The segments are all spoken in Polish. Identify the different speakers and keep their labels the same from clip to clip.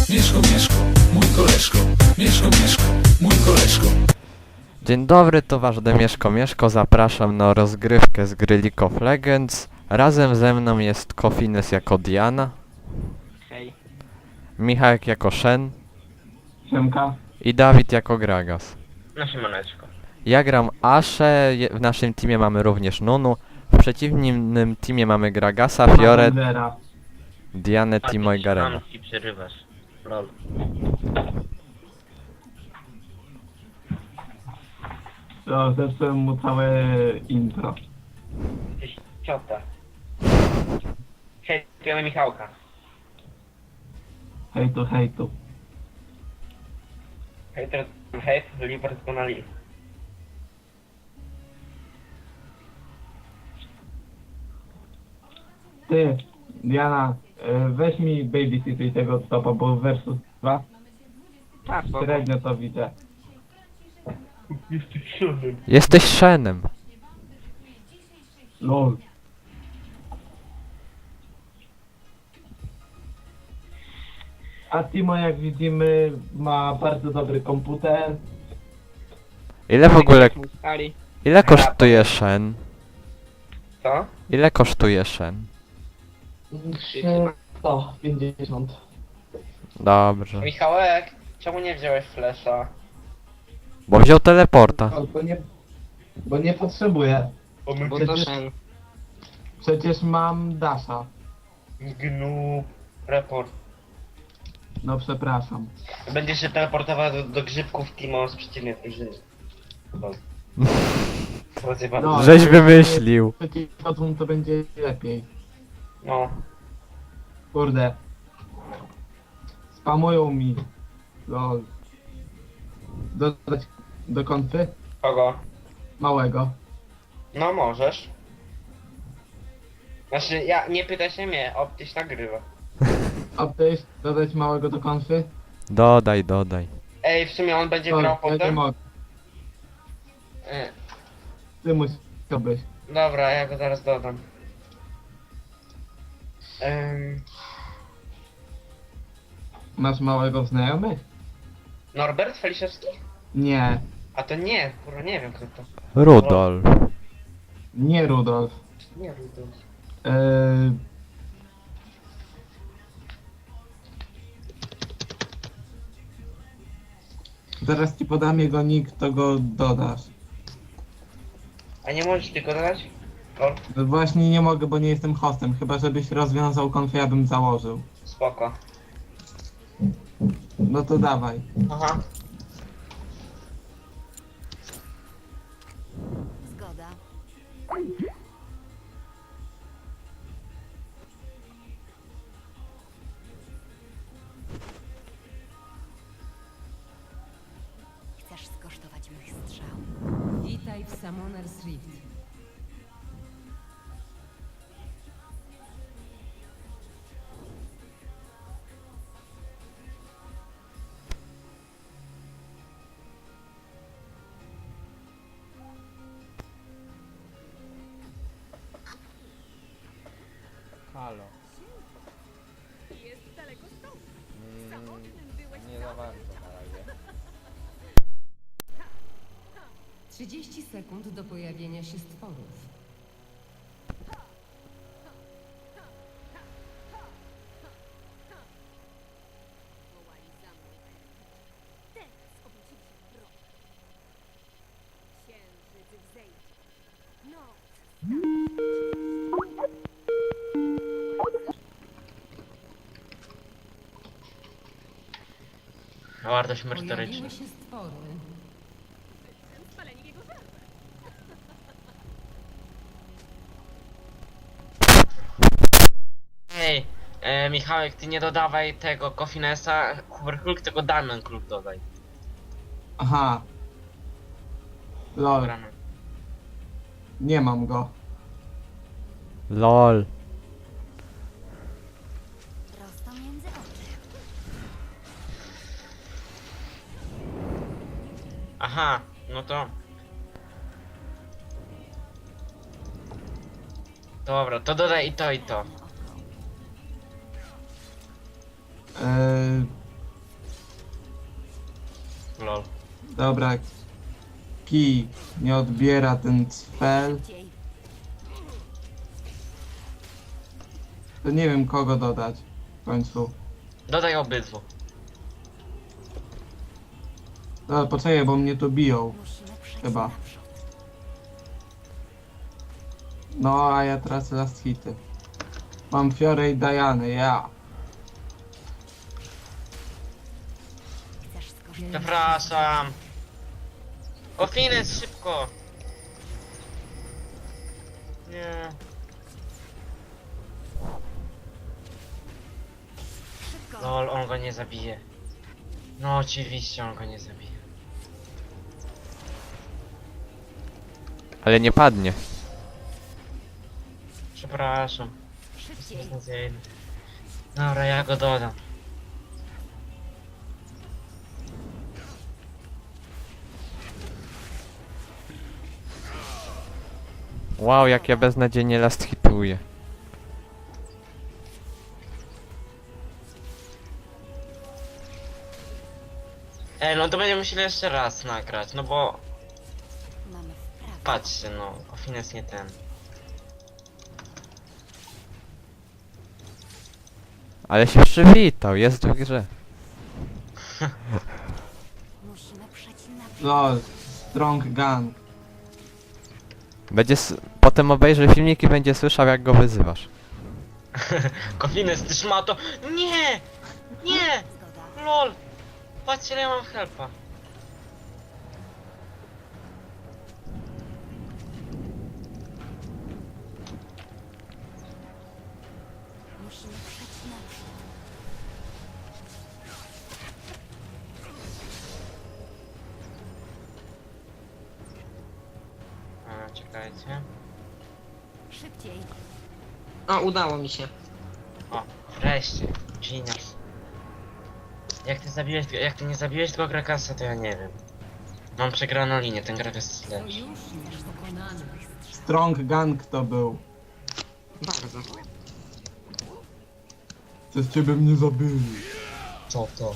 Speaker 1: Mieszko, Mieszko, mój koleżko. Mieszko, Mieszko, mój koleżko.
Speaker 2: Dzień dobry, to wasz Demieszko Mieszko, zapraszam na rozgrywkę z gry League of Legends. Razem ze mną jest Kofines jako Diana,
Speaker 3: Hej.
Speaker 2: Michał jako Shen
Speaker 3: Siemka.
Speaker 2: i Dawid jako Gragas.
Speaker 3: No siemaneczko.
Speaker 2: Ja gram Ashe, w naszym teamie mamy również Nunu, w przeciwnym teamie mamy Gragasa, Fioret, Dianę, Timo i Garena.
Speaker 3: Mam ci przerywasz. Lol.
Speaker 4: To zepsułem mu całe intro.
Speaker 3: Jesteś ciota. Hejtujemy Michałka.
Speaker 4: Hejtu, hejtu.
Speaker 3: Hejt, liber doskonali.
Speaker 4: Ty, Diana, weź mi babysituj tego topa, bo versus 2
Speaker 3: Tak, spoko.
Speaker 4: średnio to widzę.
Speaker 3: Jesteś siódmym.
Speaker 2: Jesteś Shenem.
Speaker 4: LOL. A Timo, jak widzimy, ma bardzo dobry komputer.
Speaker 2: Ile w ogóle, ile kosztuje Shen?
Speaker 3: Co?
Speaker 2: Ile kosztuje Shen?
Speaker 4: 50.
Speaker 2: Dobrze.
Speaker 3: Michałek, czemu nie wziąłeś flesza?
Speaker 2: Bo wziął teleporta.
Speaker 4: Bo nie potrzebuję.
Speaker 3: Bo my
Speaker 4: Przecież mam Dasha.
Speaker 3: Gnub. Report.
Speaker 4: No przepraszam.
Speaker 3: Będziesz się teleportował do grzybków Timo z przeciwnej drużyny. Lol. Rozjebane.
Speaker 4: No.
Speaker 2: Żeś wymyślił.
Speaker 4: Przeciwko tłum to będzie lepiej.
Speaker 3: No.
Speaker 4: Kurde. Spamują mi. LOL. Dodać do konfy?
Speaker 3: Kogo?
Speaker 4: Małego.
Speaker 3: No możesz. Znaczy, nie pytaj się mnie, Optyś nagrywa.
Speaker 4: Update, dodać małego do konfy?
Speaker 2: Dodaj, dodaj.
Speaker 3: Ej, w sumie on będzie
Speaker 4: LOL,
Speaker 3: grał
Speaker 4: ja nie
Speaker 3: potem?
Speaker 4: mogę.
Speaker 3: E,
Speaker 4: Ty musisz to być.
Speaker 3: Dobra, ja go zaraz dodam.
Speaker 4: Masz małego w znajomych?
Speaker 3: Norbert Feliszewski?
Speaker 4: Nie.
Speaker 3: A to nie, kurwa, nie wiem kto to.
Speaker 2: Rudolf.
Speaker 4: Nie Rudolf.
Speaker 3: Nie Rudolf.
Speaker 4: Yy... Zaraz ci podam jego nick, to go dodasz.
Speaker 3: A nie możesz tylko dodać? Lol,
Speaker 4: No właśnie nie mogę, bo nie jestem hostem. Chyba żebyś rozwiązał konfę, ja bym założył.
Speaker 3: spoko.
Speaker 4: No to dawaj.
Speaker 3: Aha.
Speaker 5: Zgoda. Chcesz skosztować mych strzał?
Speaker 6: Witaj w Summoner's Rift.
Speaker 2: Halo.
Speaker 5: Jest daleko stąd.
Speaker 2: Nie za bardzo na razie.
Speaker 6: 30 sekund do pojawienia się stworów.
Speaker 5: Wołali za mną. Teraz obudzili się wrogi. Księżyc wzejdzie. Noc.
Speaker 3: Wartość
Speaker 6: Pojawiły
Speaker 3: merytoryczna.
Speaker 6: się stwory.
Speaker 5: Spalenie w jego żarze.
Speaker 3: Ej, Michałek, ty nie dodawaj tego Kofinesa, Hulk, tylko Diamond Klub dodaj.
Speaker 4: Aha. LOL,
Speaker 3: Dobra, no.
Speaker 4: nie mam go.
Speaker 2: LOL.
Speaker 5: Prosto między oczy.
Speaker 3: Aha, no to... Dobra, to dodaj i to i to.
Speaker 4: Dobra. Kij nie odbiera ten spell.
Speaker 5: Szybciej.
Speaker 4: To nie wiem kogo dodać w końcu.
Speaker 3: Dodaj obydwu.
Speaker 4: No, poczekaj, bo mnie tu biją.
Speaker 5: Musimy przejść
Speaker 4: Chyba.
Speaker 5: naprzód.
Speaker 4: No, a ja tracę last hity. Mam Fiorę i Dianę, ja.
Speaker 5: Chcesz skorzystać?
Speaker 3: Przepraszam. O, Fines, szybko. Nie.
Speaker 5: Szybko.
Speaker 3: Lol, on go nie zabije. No oczywiście on go nie zabije.
Speaker 2: Ale nie padnie.
Speaker 3: Przepraszam.
Speaker 5: Szybciej.
Speaker 3: Beznadziejny. Dobra, ja go dodam.
Speaker 2: Wow, jak ja beznadziejnie last hituję.
Speaker 3: No to będziemy musieli jeszcze raz nagrać, no bo
Speaker 5: Mamy wprawę.
Speaker 3: patrzcie, no, o Fines nie ten.
Speaker 2: Ale się przywitał, jest w grze.
Speaker 5: Musimy przejść naprzód.
Speaker 4: Lol, strong gun.
Speaker 2: Będzie potem obejrzy filmik i będzie słyszał jak go wyzywasz.
Speaker 3: Kofines, ty szmato! Nie! Nie!
Speaker 5: Zgoda.
Speaker 3: LOL! Patrzcie, ile ja mam helpa.
Speaker 5: Musimy przejść naprzód.
Speaker 3: Czekajcie.
Speaker 5: Szybciej.
Speaker 7: O, udało mi się.
Speaker 3: O, wreszcie. Genius. Jak ty nie zabiłeś tego Grakasa, to ja nie wiem. Mam przegraną linię, ten Grakas jest lepszy.
Speaker 6: Sojusznik pokonany.
Speaker 4: Strong gun kto był?
Speaker 7: Bardzo.
Speaker 4: Przez ciebie mnie zabili.
Speaker 3: Co to?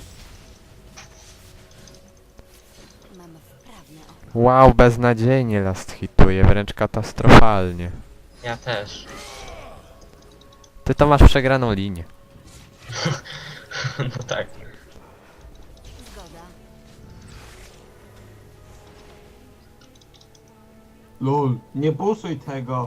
Speaker 5: Mamy wprawne oko.
Speaker 2: Wow, beznadziejnie last hituje, wręcz katastrofalnie.
Speaker 3: Ja też.
Speaker 2: Ty to masz przegraną linię.
Speaker 3: No tak.
Speaker 5: Zgoda.
Speaker 4: Lol, nie puszuj tego.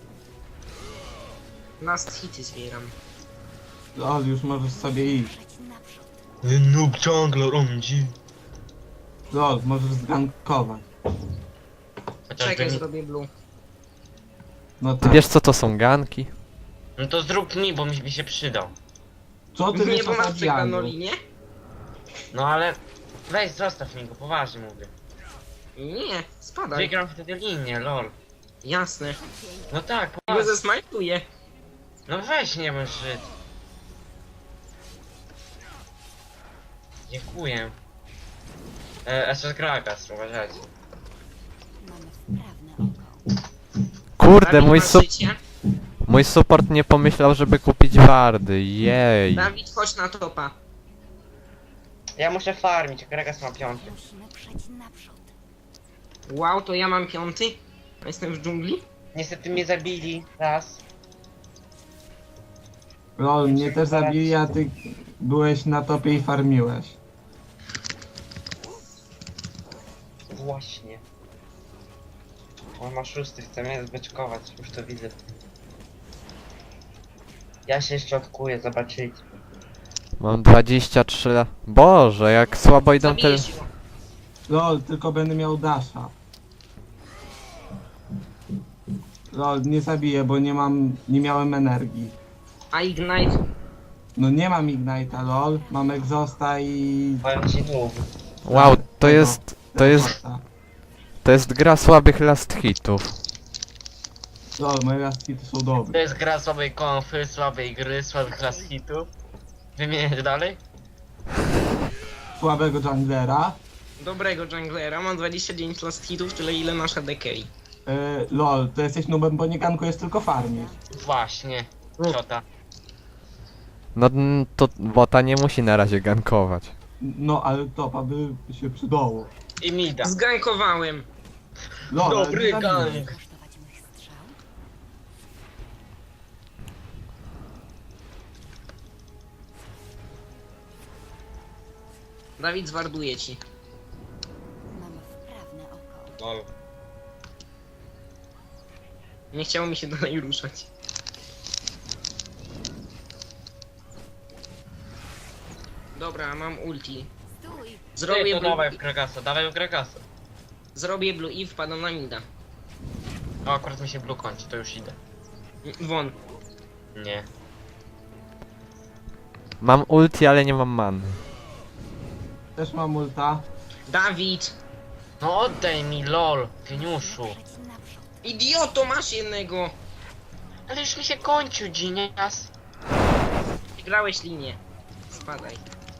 Speaker 7: Last hity zbieram.
Speaker 4: Lol, już możesz sobie iść.
Speaker 5: Przejść naprzód.
Speaker 3: Noob ciągle rądzi.
Speaker 4: Lol, możesz zgankować.
Speaker 7: Czekaj,
Speaker 3: Chociażby...
Speaker 7: zrobię blue.
Speaker 4: No
Speaker 2: Ty
Speaker 4: tak.
Speaker 2: wiesz co to są ganki?
Speaker 3: No to zrób mi, bo mi się przydał.
Speaker 4: Co ty
Speaker 7: Nie,
Speaker 4: wiesz
Speaker 7: bo
Speaker 4: o
Speaker 7: masz przegraną
Speaker 4: zabijaniu?
Speaker 7: linię?
Speaker 3: No ale... Weź, zostaw mi go, poważnie mówię.
Speaker 7: Nie, spadaj.
Speaker 3: Wygram wtedy linię, lol.
Speaker 7: Jasne.
Speaker 5: Szybciej.
Speaker 3: No tak,
Speaker 7: Go
Speaker 3: poważnie.
Speaker 7: zesmajtuję.
Speaker 3: No weź, nie bądź Żyd. Dziękuję. SS Gragas, uważajcie.
Speaker 5: Mamy wprawne oko.
Speaker 2: Kurde,
Speaker 7: Dawid,
Speaker 2: mój,
Speaker 7: masz życie?
Speaker 2: mój support nie pomyślał, żeby kupić wardy, jej.
Speaker 7: Dawid, chodź na topa.
Speaker 3: Ja muszę farmić, Gragas ma 5.
Speaker 5: Musimy przejść naprzód.
Speaker 7: Wow, to ja mam 5. Jestem w dżungli.
Speaker 3: Niestety mnie zabili raz.
Speaker 4: Lol, mnie też zabili, a ty byłeś na topie i farmiłeś.
Speaker 3: Właśnie. On ma 6, chce mnie zbeczkować, już to widzę. Ja się jeszcze odkuję, zobaczyć.
Speaker 2: Mam 23 lat. Boże, jak słabo idą te...
Speaker 7: Zabijesz ją.
Speaker 4: Lol, tylko będę miał dasha. Lol, nie zabiję, bo nie miałem energii.
Speaker 7: A Ignite?
Speaker 4: No nie mam Ignite'a, lol. Mam Exhausta i...
Speaker 3: Powiem ci noob.
Speaker 2: Wow, to jest... To jest...
Speaker 4: Exhausta.
Speaker 2: To jest gra słabych last hitów.
Speaker 4: Lol, moje last hity są
Speaker 3: To
Speaker 4: dobre.
Speaker 3: jest gra słabej konfy, słabej gry, słabych class hitów. Wymieniać dalej?
Speaker 4: Słabego junglera.
Speaker 7: Dobrego junglera, mam 29 last hitów, tyle ile nasza Decay.
Speaker 4: Lol, to jesteś nubem, bo nie gankujesz tylko farmisz.
Speaker 3: Właśnie. Ciota.
Speaker 2: No to bota nie musi na razie gankować.
Speaker 4: No, ale topa by się przydało.
Speaker 3: I mida.
Speaker 7: Zgankowałem.
Speaker 4: Lol, ale
Speaker 3: Dobry
Speaker 4: nie zabiję.
Speaker 3: gang.
Speaker 5: Kosztować mych strzał?
Speaker 7: Dawid zwarduje ci.
Speaker 5: Mam wprawne oko.
Speaker 3: Lol.
Speaker 7: Nie chciało mi się dalej ruszać. Dobra, mam ulti.
Speaker 5: Stój!
Speaker 3: Ty,
Speaker 7: Zrobię
Speaker 3: to
Speaker 7: blue,
Speaker 3: dawaj w Gregasa, dawaj w Gregasa.
Speaker 7: zrobię blue i wpadam na mida.
Speaker 3: O, akurat mi się blue kończy, to już idę.
Speaker 7: Won.
Speaker 3: Nie.
Speaker 2: Mam ulti, ale nie mam man.
Speaker 4: Też mam ulta.
Speaker 7: Dawid!
Speaker 3: No oddaj mi, lol, geniuszu.
Speaker 5: Ruszać naprzód.
Speaker 7: Idioto, masz jednego!
Speaker 3: Ale już mi się kończył, genias.
Speaker 7: Grałeś linię. Spadaj.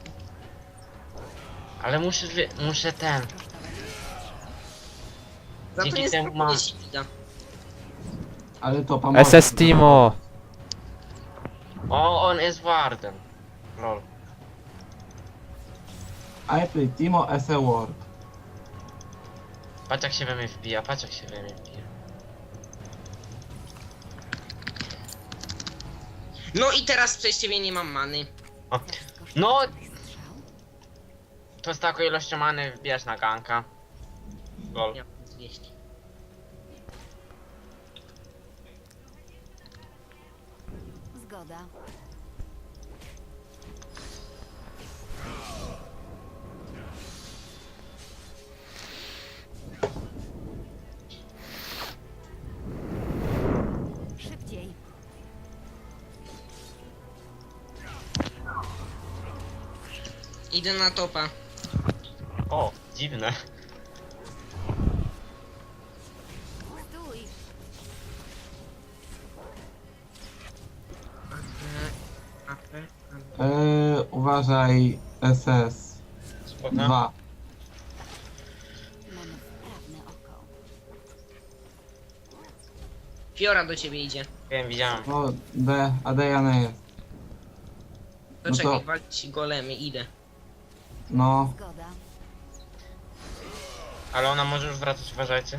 Speaker 3: Ale muszę ten.
Speaker 7: Za to
Speaker 3: Dzięki
Speaker 7: nie
Speaker 3: temu
Speaker 7: spróbuję
Speaker 3: mam.
Speaker 7: się mida.
Speaker 4: Ale to pomoże.
Speaker 2: SS Timo!
Speaker 3: O, on jest wardem. Lol.
Speaker 4: I play Timo as a ward.
Speaker 3: Patrz jak się we mnie wbija, patrz jak się we mnie wbija.
Speaker 7: No i teraz przez ciebie nie mam many.
Speaker 3: O.
Speaker 5: Chcesz skosztować
Speaker 3: No,
Speaker 5: mych strzał?
Speaker 3: to z taką ilością many wbijasz na ganka. Lol.
Speaker 7: Ja mam 200.
Speaker 5: Zgoda. Szybciej.
Speaker 7: Idę na topa.
Speaker 3: O, dziwne.
Speaker 5: Stój!
Speaker 4: Uważaj SS.
Speaker 3: Spoko.
Speaker 4: 2.
Speaker 5: Mamy wprawne oko.
Speaker 7: Fiora do ciebie idzie.
Speaker 3: Wiem, widziałem.
Speaker 4: O, D, a Diana jest.
Speaker 7: To
Speaker 4: No to-
Speaker 7: czekaj, walić golemy, idę.
Speaker 4: No,
Speaker 5: Zgoda.
Speaker 3: Ale ona może już wracać, uważajcie.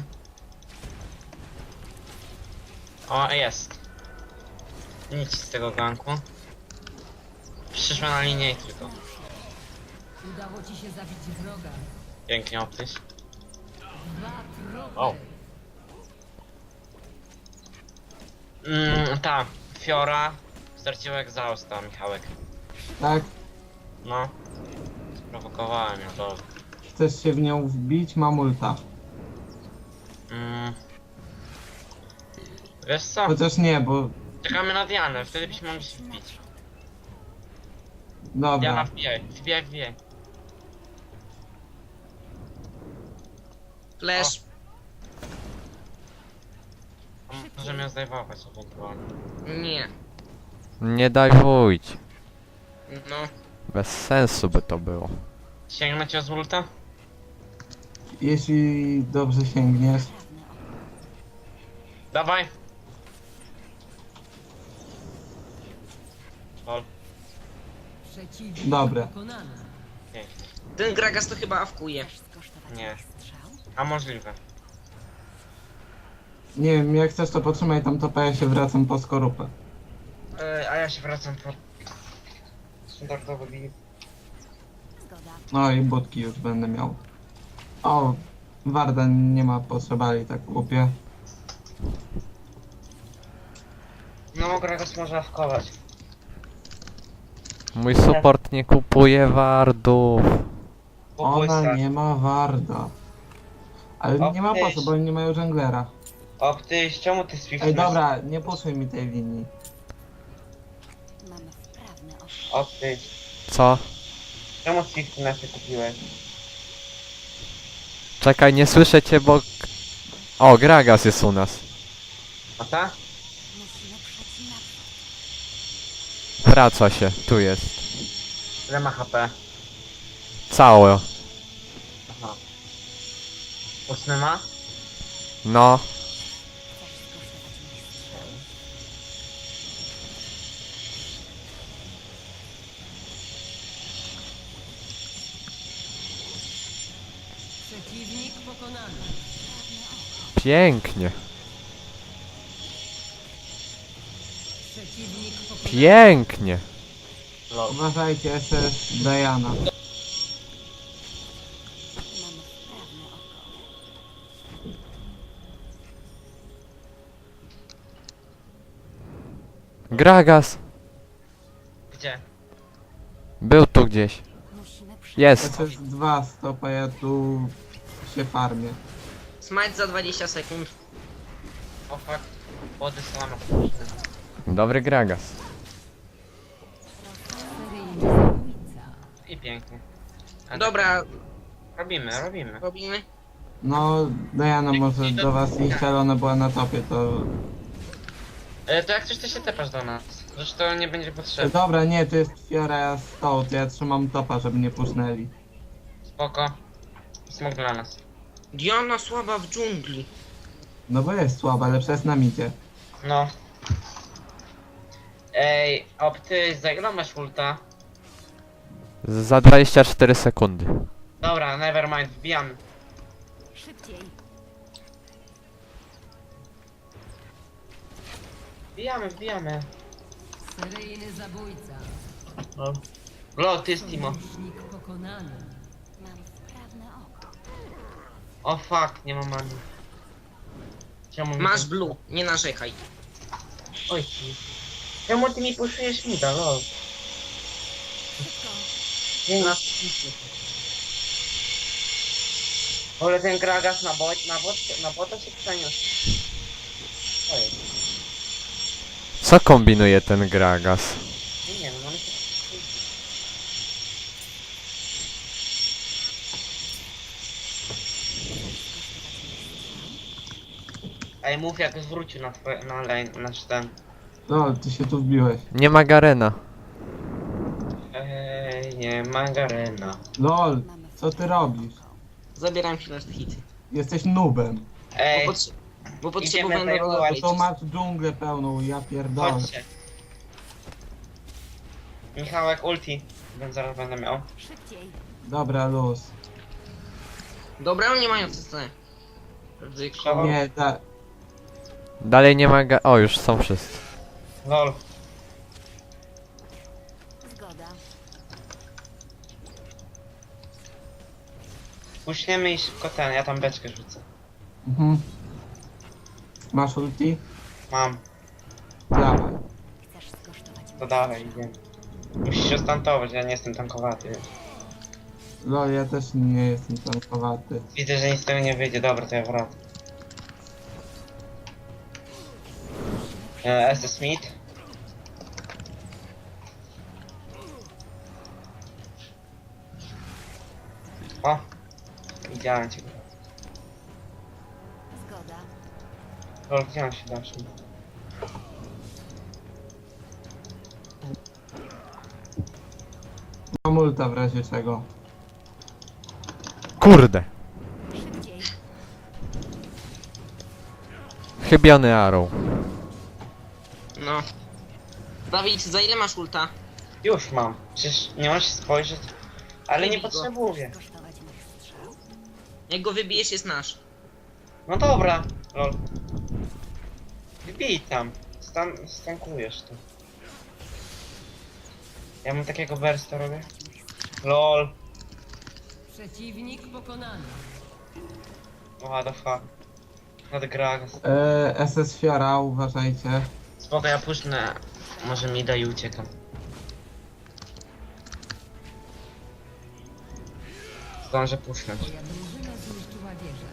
Speaker 3: O, jest. Nic z tego ganku. Przyszła na linię i tylko.
Speaker 6: Udało ci się zabić wroga.
Speaker 3: Pięknie optyś.
Speaker 6: 2 tropy.
Speaker 3: O. Ta, Fiora straciła egzausta, Michałek.
Speaker 4: tak?
Speaker 3: No. Sprowokowałem ją, to.
Speaker 4: Chcesz się w nią wbić? Mam ulta.
Speaker 3: Wiesz co?
Speaker 4: Chociaż nie, bo...
Speaker 3: Czekamy na Dianę, wtedy byśmy mogli się wbić. Diana,
Speaker 4: Dobra.
Speaker 3: wbijaj, wbijaj, wbijaj.
Speaker 7: Flash.
Speaker 3: Możemy ją zdejmować ewentualnie.
Speaker 7: Nie.
Speaker 2: Nie daj wójć.
Speaker 7: No.
Speaker 2: Bez sensu by to było.
Speaker 3: Sięgnę cię z ulta?
Speaker 4: Jeśli dobrze sięgniesz.
Speaker 5: Wprawne oko.
Speaker 3: Dawaj! Lol,
Speaker 6: Przeciwnik
Speaker 4: Dobre.
Speaker 6: pokonany.
Speaker 3: pięknie.
Speaker 7: Ten Gragas to chyba awkuje.
Speaker 5: Chcesz skosztować
Speaker 3: Nie.
Speaker 5: mych strzał?
Speaker 3: A możliwe.
Speaker 4: Nie wiem, jak chcesz to potrzymaj tam topa, ja się wracam po skorupę.
Speaker 3: A ja się wracam po... standardowy bij.
Speaker 5: Zgoda.
Speaker 4: No i budki już będę miał. O, Warda nie ma potrzebali tak głupie.
Speaker 3: No, Gragas może awkować.
Speaker 2: Mój support nie kupuje wardów.
Speaker 4: Ona nie ma Warda. Ale nie ma po co, bo oni nie mają żonglera.
Speaker 3: Optyś, czemu ty swiftujesz?
Speaker 4: Ej, dobra, nie puszuj mi tej linii.
Speaker 5: Mamy wprawne oko.
Speaker 3: Optyś,
Speaker 2: Co?
Speaker 3: czemu swifty nasze kupiłeś?
Speaker 2: Czekaj, nie słyszę cię, bo... O, Gragas jest u nas.
Speaker 3: A ta?
Speaker 5: Musimy przejść naprzód.
Speaker 2: Wraca się, tu jest.
Speaker 3: Ile ma HP?
Speaker 2: Całe.
Speaker 3: Aha. 8 ma?
Speaker 2: No.
Speaker 5: Chcesz skosztować mych strzał?
Speaker 6: Przeciwnik pokonany.
Speaker 2: Pięknie.
Speaker 6: Przeciwnik pokonany.
Speaker 2: Pięknie.
Speaker 4: Uważajcie, SS Diana.
Speaker 5: Mamy wprawne oko.
Speaker 2: Gragas.
Speaker 3: Gdzie?
Speaker 2: Był tu gdzieś.
Speaker 5: Musimy przetrwać.
Speaker 2: Jest.
Speaker 4: SS2 stopa, ja tu się farmię.
Speaker 7: Smite za 20 sekund.
Speaker 3: O fuck. Wody słama.
Speaker 2: Dobry Gragas.
Speaker 6: Seryjny zabójca.
Speaker 3: I pięknie. A
Speaker 7: Dobra,
Speaker 3: robimy.
Speaker 7: robimy.
Speaker 4: No, Diana może do was iść, ale ona była na topie, to...
Speaker 3: To jak coś to się tepasz do nas. Zresztą nie będzie potrzebne.
Speaker 4: Dobra, nie, to jest Fiora Stout, ja trzymam topa, żeby nie pusznęli.
Speaker 3: Spoko. Smok dla nas.
Speaker 7: Diana słaba w dżungli.
Speaker 4: No bo jest słaba, ale przez nam idzie.
Speaker 3: No. Ej, ty za ile masz ulta?
Speaker 2: Za 24 sekundy.
Speaker 3: Dobra, nevermind, wbijamy.
Speaker 5: Szybciej.
Speaker 3: Wbijamy.
Speaker 6: Seryjny zabójca.
Speaker 3: Lol, ty jest Timo.
Speaker 6: Sojusznik pokonany.
Speaker 5: Mam wprawne oko.
Speaker 3: O fuck, nie mam mani. Czemu mi
Speaker 7: Masz
Speaker 3: to-
Speaker 7: blue, nie narzekaj.
Speaker 3: Oj ci. Czemu ty mi puszujesz mida, lol?
Speaker 5: Szybko.
Speaker 3: Nie na... Ale ten Gragas na bota się przeniósł. Oj,
Speaker 2: Co kombinuje ten Gragas?
Speaker 3: nie wiem, on się... Ej, mów jak zwrócił na twoje, na lane, nasz ten.
Speaker 4: No, ty się tu wbiłeś.
Speaker 2: Nie ma Garena.
Speaker 3: Ej, nie ma Garena.
Speaker 4: LOL,
Speaker 5: Mamy
Speaker 4: co ty robisz?
Speaker 7: Zabieram ci last hity.
Speaker 4: Jesteś noobem.
Speaker 3: Ej,
Speaker 7: Bo potrzebowałem
Speaker 3: Idziemy
Speaker 7: do
Speaker 3: zajmować.
Speaker 4: To masz dżunglę pełną, ja pierdolę.
Speaker 3: chodźcie. Michałek ulti. Zaraz będę miał.
Speaker 5: szybciej.
Speaker 4: Dobra, luz.
Speaker 7: Dobra, oni mają CC. Ryzyko.
Speaker 4: Nie,
Speaker 2: Dalej nie ma O, już są wszyscy.
Speaker 3: Lol.
Speaker 5: Zgoda.
Speaker 3: Puśniemy i szybko ten, ja tam beczkę rzucę.
Speaker 4: Mhm. Masz ulti?
Speaker 3: Mam,
Speaker 4: Dawaj.
Speaker 5: Chcesz skosztować
Speaker 3: to dalej, idziemy. Musisz ostantować, ja nie jestem tankowaty.
Speaker 4: LOL, ja też nie jestem tankowaty.
Speaker 3: Widzę, że nic z tego nie wyjdzie, dobra, to ja wracam. SS Smith. O! Widziałem cię.
Speaker 5: Zgoda.
Speaker 3: Lol, gdzie on się dasz?
Speaker 4: Mam ulta w razie czego.
Speaker 2: Kurde.
Speaker 5: Szybciej.
Speaker 2: Chybiony Arrow.
Speaker 7: No. Dawid, za ile masz ulta?
Speaker 3: Już mam. Przecież nie możesz spojrzeć. Ale nie
Speaker 7: Wybij go.
Speaker 3: potrzebuję.
Speaker 5: Skosztować mych strzał.
Speaker 7: Jak go wybijesz, jest nasz.
Speaker 3: No dobra, lol. Wbij tam. Stankujesz to. Ja mam takiego bursta robię. Lol.
Speaker 6: Przeciwnik pokonany.
Speaker 3: What the fuck. Not Gragas.
Speaker 4: SS Fiora, uważajcie.
Speaker 3: Spoko, ja puszczę. Może mi da i uciekam. Zdążę puszczać.
Speaker 6: Twoja drużyna zniszczyła wieżę.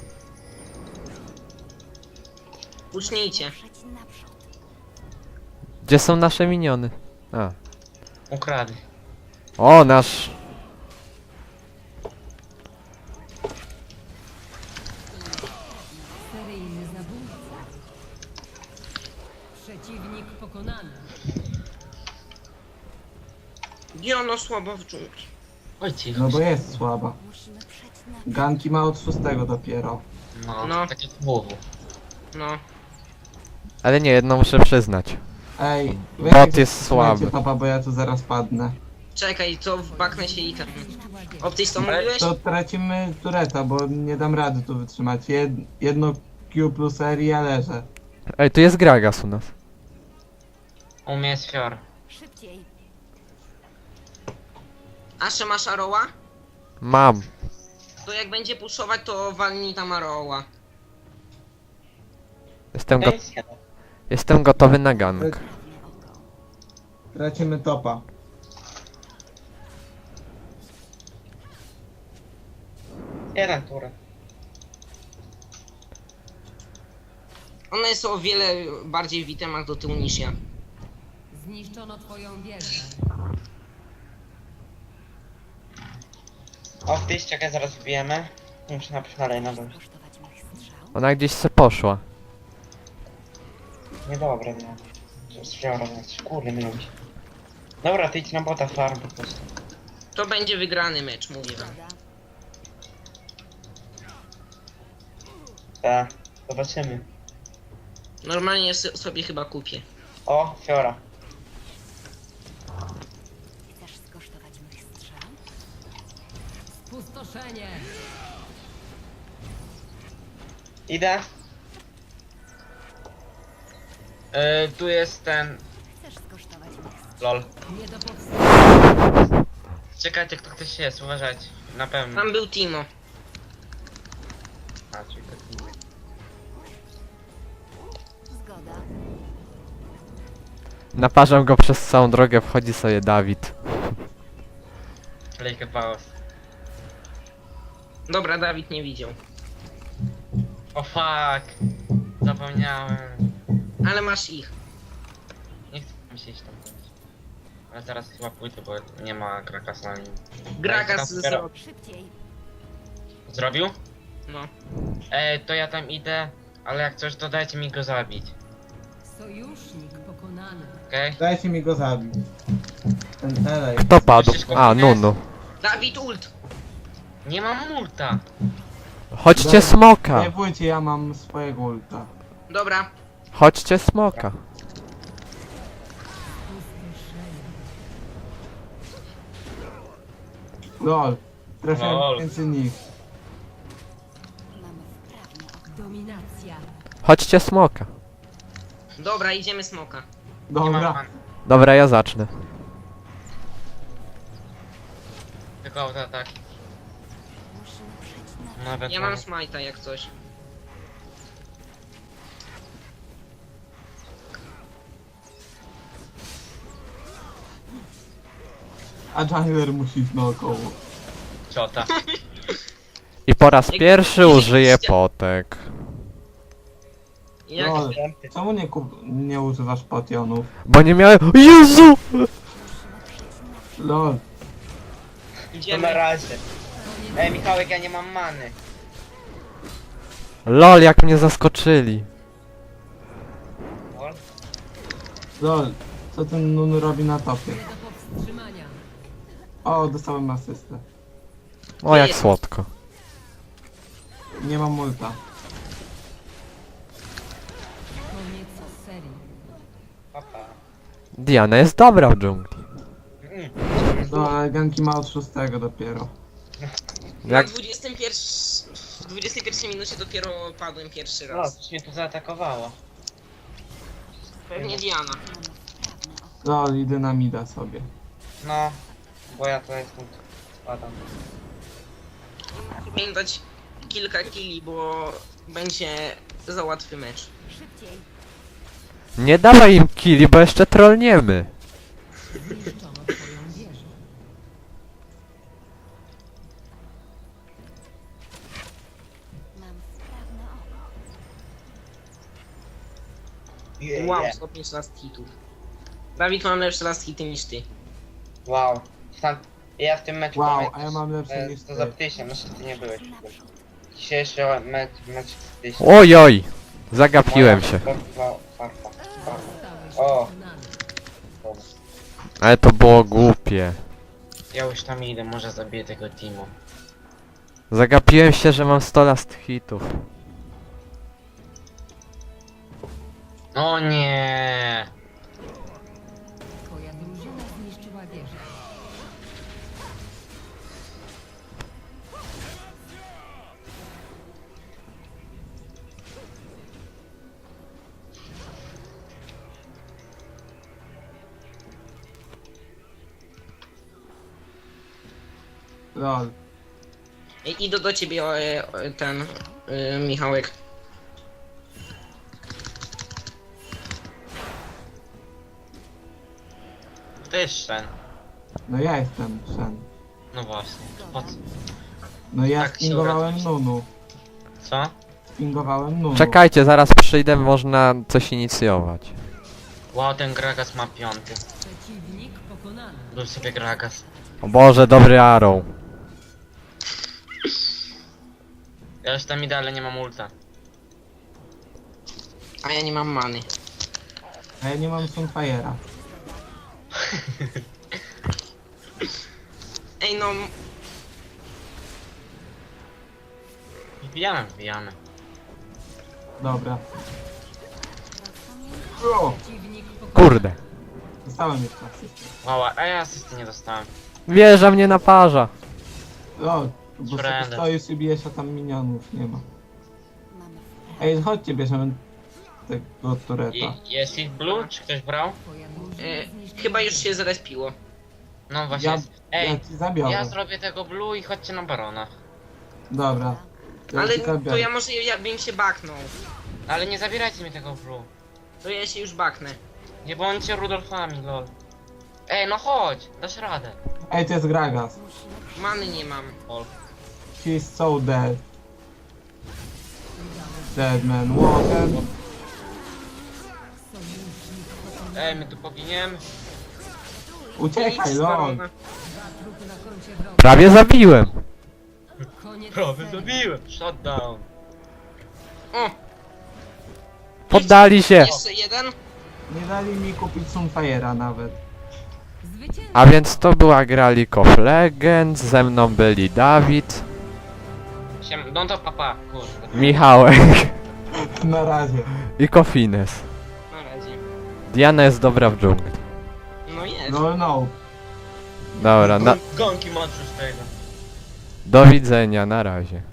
Speaker 7: Ucznijcie.
Speaker 5: Ruszać naprzód.
Speaker 2: Gdzie są nasze miniony? A.
Speaker 3: Ukradli.
Speaker 2: O, nasz...
Speaker 6: Seryjny zabójca. Przeciwnik pokonany.
Speaker 7: Diana słaba w dżungli.
Speaker 3: Oj cicho.
Speaker 4: No bo jest słaba.
Speaker 5: Musimy przeć naprzód.
Speaker 4: Ganki ma od 6 dopiero.
Speaker 3: No,
Speaker 7: No.
Speaker 3: tak jak WW.
Speaker 7: No.
Speaker 2: Ale nie, jedno muszę przyznać.
Speaker 4: Ej,
Speaker 2: Bot jest
Speaker 4: trzymajcie
Speaker 2: słaby.
Speaker 4: topa, bo ja tu zaraz padnę.
Speaker 7: Czekaj, to wbaknę się i tam.
Speaker 5: Zniszczyła
Speaker 6: wieżę.
Speaker 7: Optyś to mówiłeś?
Speaker 4: To tracimy tureta, bo nie dam rady tu wytrzymać. Jedno Q plus R i ja leżę.
Speaker 2: Ej, tu jest Gragas u nas.
Speaker 3: U mnie jest Fior.
Speaker 5: Szybciej.
Speaker 7: Ashe masz Aroła?
Speaker 2: Mam.
Speaker 7: To jak będzie puszować, to walnij tam Aroła.
Speaker 2: Jestem,
Speaker 3: To
Speaker 2: go
Speaker 3: jest jeden.
Speaker 2: jestem gotowy na gang.
Speaker 5: Prawne oko.
Speaker 4: Tracimy topa.
Speaker 3: Jeden turę.
Speaker 7: Ona jest o wiele bardziej w itemach do tyłu niż ja.
Speaker 6: Zniszczono twoją wieżę.
Speaker 3: O, ty czekaj, zaraz wbijemy. Muszę napić dalej na dół.
Speaker 5: Kosztować mych strzał.
Speaker 2: Ona gdzieś se poszła.
Speaker 3: Niedobre, no. To jest Fiora, więc kurde mi lubi. Dobra, ty idź na bota farm po prostu.
Speaker 7: To będzie wygrany mecz, mówię wam.
Speaker 5: Zgoda.
Speaker 3: Tak, zobaczymy.
Speaker 7: Normalnie sobie chyba kupię.
Speaker 3: O, Fiora.
Speaker 5: Chcesz skosztować mych strzał?
Speaker 6: Spustoszenie.
Speaker 3: Idę. Tu jest ten...
Speaker 5: Chcesz skosztować mych strzał?
Speaker 3: LOL.
Speaker 6: Nie do powstrzymania.
Speaker 3: Czekajcie, kto ktoś jest, uważajcie. Na pewno.
Speaker 7: Tam był Timo.
Speaker 3: A, czyli to Timo.
Speaker 5: Zgoda.
Speaker 2: Naparzam go przez całą drogę, wchodzi sobie Dawid.
Speaker 3: Lejkę pauz.
Speaker 7: Dobra, Dawid nie widział.
Speaker 3: O fuck. Zapomniałem.
Speaker 7: Ale masz ich.
Speaker 3: Nie chcę mi się iść tam chodzić. Ale zaraz chyba pójdę, bo nie ma Grakasa na nim.
Speaker 7: Gragas
Speaker 3: Daj,
Speaker 7: zrobił.
Speaker 5: Szybciej.
Speaker 3: Zrobił?
Speaker 7: No.
Speaker 3: To ja tam idę, ale jak coś to dajcie mi go zabić,
Speaker 6: Sojusznik pokonany.
Speaker 3: okej?
Speaker 4: Dajcie mi go zabić. Ten Elej.
Speaker 2: Kto padł? A, Nunu.
Speaker 7: Dawid ult!
Speaker 3: Nie mam multa!
Speaker 2: Chodźcie smoka!
Speaker 4: Nie bójcie, ja mam swojego ulta.
Speaker 7: Dobra.
Speaker 2: Chodźcie smoka.
Speaker 6: Spustoszenie.
Speaker 4: LOL. Trafiłem
Speaker 3: LOL.
Speaker 4: między nich.
Speaker 5: Mam wprawne oko.
Speaker 6: Dominacja.
Speaker 2: Chodźcie smoka.
Speaker 7: Dobra, idziemy smoka.
Speaker 3: Nie mam
Speaker 4: Dobra.
Speaker 3: pan.
Speaker 2: Dobra, ja zacznę.
Speaker 3: Tylko autoataki.
Speaker 5: Musimy przeć na
Speaker 3: Nawet
Speaker 7: Ja mam smajta jak coś.
Speaker 4: A jungler musi iść naokoło.
Speaker 3: ciota.
Speaker 2: I po raz pierwszy użyję potek.
Speaker 7: Jak...
Speaker 4: LOL. Czemu nie używasz potionów?
Speaker 2: Bo nie miałem... Jezu!
Speaker 4: LOL.
Speaker 3: To na
Speaker 7: Idziemy.
Speaker 3: razie. Michałek, ja nie mam many.
Speaker 2: LOL, jak mnie zaskoczyli.
Speaker 3: Lol.
Speaker 4: LOL. Co ten Nun robi na topie?
Speaker 6: Nie do powstrzymania.
Speaker 4: O, dostałem asystę.
Speaker 2: O, jak słodko.
Speaker 4: Nie mam ulta.
Speaker 6: Koniec serii.
Speaker 3: Papa.
Speaker 2: Diana jest dobra w dżungli.
Speaker 4: No, ale ganki ma od 6 dopiero.
Speaker 2: Jak...
Speaker 7: W 21 minucie dopiero padłem pierwszy
Speaker 3: No,
Speaker 7: raz.
Speaker 3: coś mnie tu zaatakowało.
Speaker 7: Pewnie Diana.
Speaker 5: Mam wprawne oko.
Speaker 4: LOL, idę na mida sobie.
Speaker 3: No, bo ja to jestem... Spadam.
Speaker 7: Powinien dać kilka killi, bo będzie za łatwy mecz.
Speaker 5: Szybciej.
Speaker 2: Nie dawaj im killi, bo jeszcze trollniemy.
Speaker 6: Zniszczono twoją wieżę.
Speaker 5: Mam wprawne oko.
Speaker 7: Wow, 105 last hitów. Dawid, mam lepsze last hity niż ty.
Speaker 3: Wow. Ja w tym meczu
Speaker 4: Wow,
Speaker 3: pamiętam,
Speaker 4: a ja mam lepsze
Speaker 3: że
Speaker 4: niż
Speaker 3: to
Speaker 4: ty.
Speaker 3: za ptysia, no ty nie byłeś.
Speaker 5: Naprzód.
Speaker 3: Dzisiejszy mecz z ptysia.
Speaker 2: Ojoj! Zagapiłem się.
Speaker 3: Farfa.
Speaker 6: Zostałeś
Speaker 3: O.
Speaker 6: pokonany.
Speaker 2: Ale to było głupie.
Speaker 3: Ja już tam idę, może zabiję tego Timo.
Speaker 2: Zagapiłem się, że mam 100 last hitów.
Speaker 3: O nie.
Speaker 6: Twoja drużyna zniszczyła wieżę.
Speaker 4: Lol.
Speaker 7: Idę do ciebie, ten, Michałek.
Speaker 3: To jest Shen.
Speaker 4: No ja jestem Shen.
Speaker 3: No właśnie. Po co?
Speaker 4: No ja
Speaker 3: Tak się
Speaker 4: spingowałem
Speaker 3: obrazić.
Speaker 4: Nunu.
Speaker 3: Co?
Speaker 4: Spingowałem Nunu.
Speaker 2: Czekajcie, zaraz przyjdę, można coś inicjować.
Speaker 3: Wow, ten Gragas ma 5.
Speaker 6: Przeciwnik pokonany.
Speaker 3: Był sobie Gragas.
Speaker 2: O Boże, dobry Arrow.
Speaker 3: Ja już tam idę, ale nie mam ulta.
Speaker 7: A ja nie mam many.
Speaker 4: A ja nie mam Sunfire'a.
Speaker 7: Ej no,
Speaker 3: Wbijamy.
Speaker 4: Dobra. O!
Speaker 6: Przeciwnik pokonany.
Speaker 2: Kurde.
Speaker 4: Dostałem jeszcze asystę.
Speaker 3: Wow, a ja asysty nie dostałem.
Speaker 2: Wieża mnie naparza.
Speaker 4: Lol. Bo sobie
Speaker 3: Friendly.
Speaker 4: stoisz i bijesz, a tam minionów nie ma.
Speaker 5: Mamy
Speaker 4: Ej, chodźcie, bierzemy tego tureta.
Speaker 3: Jest ich blue? Czy ktoś brał?
Speaker 6: Twoja drużyna zniszczyła
Speaker 7: chyba już się zrespiło.
Speaker 3: No właśnie
Speaker 4: Ja,
Speaker 3: jest.
Speaker 4: ja
Speaker 3: Ej,
Speaker 4: ci zabiorę.
Speaker 3: ja zrobię tego blue i chodźcie na barona.
Speaker 4: Dobra. Ja
Speaker 7: Ale
Speaker 4: ci zabiorę.
Speaker 7: to ja może ja bym się baknął.
Speaker 3: Ale nie zabierajcie mi tego blue.
Speaker 7: To ja się już baknę.
Speaker 3: Nie bądźcie Rudolfami, lol. Ej, no chodź, dasz radę.
Speaker 4: Ej, to jest Gragas.
Speaker 7: Many nie mam.
Speaker 3: Lol.
Speaker 4: He's so dead. Dead man walking.
Speaker 3: Ej, my tu poginiemy.
Speaker 4: Uciekaj,
Speaker 7: Nic,
Speaker 4: lol.
Speaker 7: barona.
Speaker 6: trupy na koncie wroga.
Speaker 2: Prawie zabiłem.
Speaker 6: Koniec
Speaker 3: Prawie
Speaker 6: serii.
Speaker 3: zabiłem. Shutdown.
Speaker 7: O,
Speaker 2: Poddali się.
Speaker 7: jeszcze jeden.
Speaker 4: Nie dali mi kupić Sunfire'a nawet.
Speaker 6: Zwycięstwo.
Speaker 2: A więc to była gra League of Legends, ze mną byli Dawid,
Speaker 3: No to papa, kurde.
Speaker 2: Michałek
Speaker 4: Na razie.
Speaker 2: i Kofines.
Speaker 7: Na razie.
Speaker 2: Diana jest dobra w dżungli.
Speaker 7: No jest.
Speaker 4: No.
Speaker 2: Dobra,
Speaker 3: Gonki masz już tego.
Speaker 2: do widzenia, na razie.